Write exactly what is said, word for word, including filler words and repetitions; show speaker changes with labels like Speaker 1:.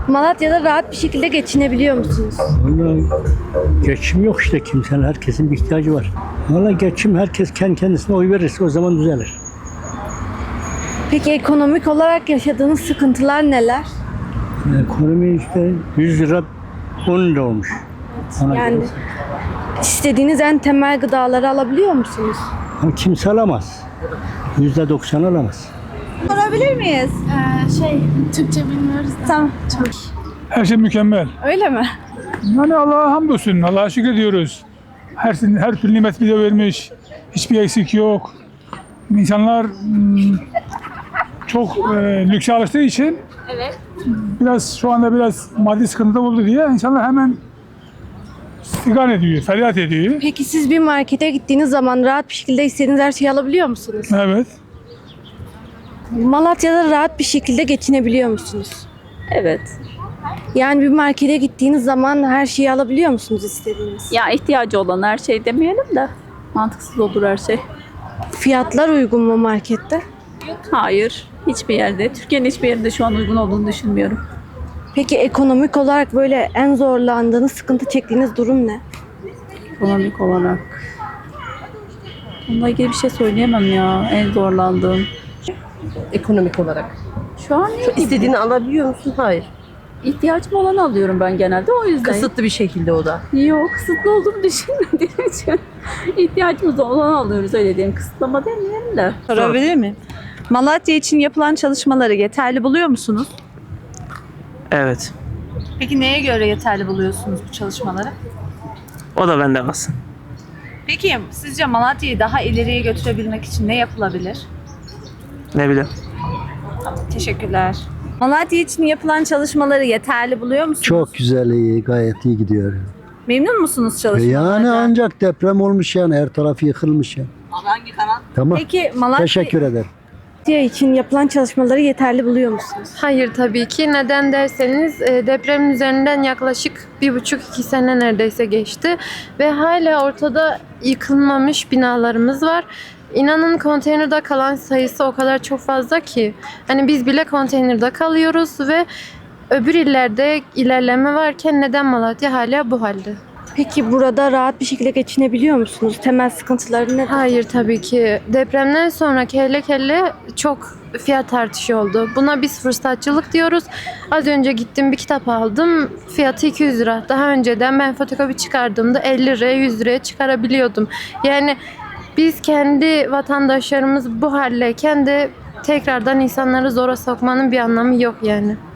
Speaker 1: Malatya'da rahat bir şekilde geçinebiliyor musunuz?
Speaker 2: Vallahi geçim yok işte kimsenin, herkesin bir ihtiyacı var. Vallahi geçim, herkes kendi kendisine oy verirse o zaman düzelir.
Speaker 1: Peki ekonomik olarak yaşadığınız sıkıntılar neler?
Speaker 2: Ekonomi işte yüz lira on lira olmuş. Ona
Speaker 1: Yani
Speaker 2: göre.
Speaker 1: istediğiniz en temel gıdaları alabiliyor musunuz?
Speaker 2: Ama kimse alamaz. Yüzde doksan alamaz.
Speaker 3: Sorabilir miyiz?
Speaker 4: Ee, şey, Türkçe bilmiyoruz da.
Speaker 3: Tamam.
Speaker 5: Her şey mükemmel.
Speaker 3: Öyle mi?
Speaker 5: Yani Allah'a hamdolsun, Allah'a şükür diyoruz. Her, her türlü nimet bize vermiş. Hiçbir eksik yok. İnsanlar hmm, çok e, lükse alıştığı için
Speaker 3: Evet.
Speaker 5: biraz şu anda biraz maddi sıkıntı oldu diye insanlar hemen sigan ediyor, feryat ediyor.
Speaker 1: Peki siz bir markete gittiğiniz zaman rahat bir şekilde istediğiniz her şeyi alabiliyor musunuz?
Speaker 5: Evet.
Speaker 1: Malatya'da rahat bir şekilde geçinebiliyor musunuz?
Speaker 6: Evet.
Speaker 1: Yani bir markete gittiğiniz zaman her şeyi alabiliyor musunuz istediğiniz?
Speaker 6: Ya ihtiyacı olan her şey demeyelim de mantıksız olur her şey.
Speaker 1: Fiyatlar uygun mu markette?
Speaker 6: Hayır. Hiçbir yerde. Türkiye'nin hiçbir yerinde şu an uygun olduğunu düşünmüyorum.
Speaker 1: Peki ekonomik olarak böyle en zorlandığınız, sıkıntı çektiğiniz durum ne?
Speaker 6: Ekonomik olarak. Onunla ilgili bir şey söyleyemem ya. En zorlandığım.
Speaker 7: Ekonomik olarak.
Speaker 6: Şu an ne gibi?
Speaker 7: İstediğini alabiliyor musun? Hayır.
Speaker 6: İhtiyacım olanı alıyorum ben genelde. O yüzden.
Speaker 7: Kısıtlı bir şekilde o da.
Speaker 6: Yok. Kısıtlı olduğumu düşünmediğim için. İhtiyacımız olanı alıyoruz öyle diyeyim. Kısıtlama demeyelim de.
Speaker 3: Sorabilir miyim? Malatya için yapılan çalışmaları yeterli buluyor musunuz?
Speaker 8: Evet.
Speaker 3: Peki neye göre yeterli buluyorsunuz bu çalışmaları?
Speaker 8: O da bende kalsın.
Speaker 3: Peki sizce Malatya'yı daha ileriye götürebilmek için ne yapılabilir?
Speaker 8: Ne bileyim.
Speaker 3: Teşekkürler. Malatya için yapılan çalışmaları yeterli buluyor musunuz?
Speaker 9: Çok güzel, iyi, gayet iyi gidiyor.
Speaker 3: Memnun musunuz
Speaker 9: E
Speaker 3: çalışmalardan?
Speaker 9: Yani ancak deprem olmuş yani, her tarafı yıkılmış yani. Hangi kanal? Tamam.
Speaker 3: Peki Malatya...
Speaker 9: Teşekkür ederim.
Speaker 1: Malatya için yapılan çalışmaları yeterli buluyor musunuz?
Speaker 4: Hayır tabii ki. Neden derseniz e, depremin üzerinden yaklaşık bir buçuk iki sene neredeyse geçti. Ve hala ortada yıkılmamış binalarımız var. İnanın konteynerde kalan sayısı o kadar çok fazla ki. Hani biz bile konteynerde kalıyoruz ve öbür illerde ilerleme varken neden Malatya hala bu halde?
Speaker 1: Peki burada rahat bir şekilde geçinebiliyor musunuz? Temel sıkıntıları ne?
Speaker 4: Hayır tabii ki. Depremden sonra kelle kelle çok fiyat artışı oldu. Buna biz fırsatçılık diyoruz. Az önce gittim bir kitap aldım. Fiyatı iki yüz lira. Daha önceden ben fotokopi çıkardığımda elli liraya yüz liraya çıkarabiliyordum. Yani biz kendi vatandaşlarımız bu haldeyken de tekrardan insanları zora sokmanın bir anlamı yok yani.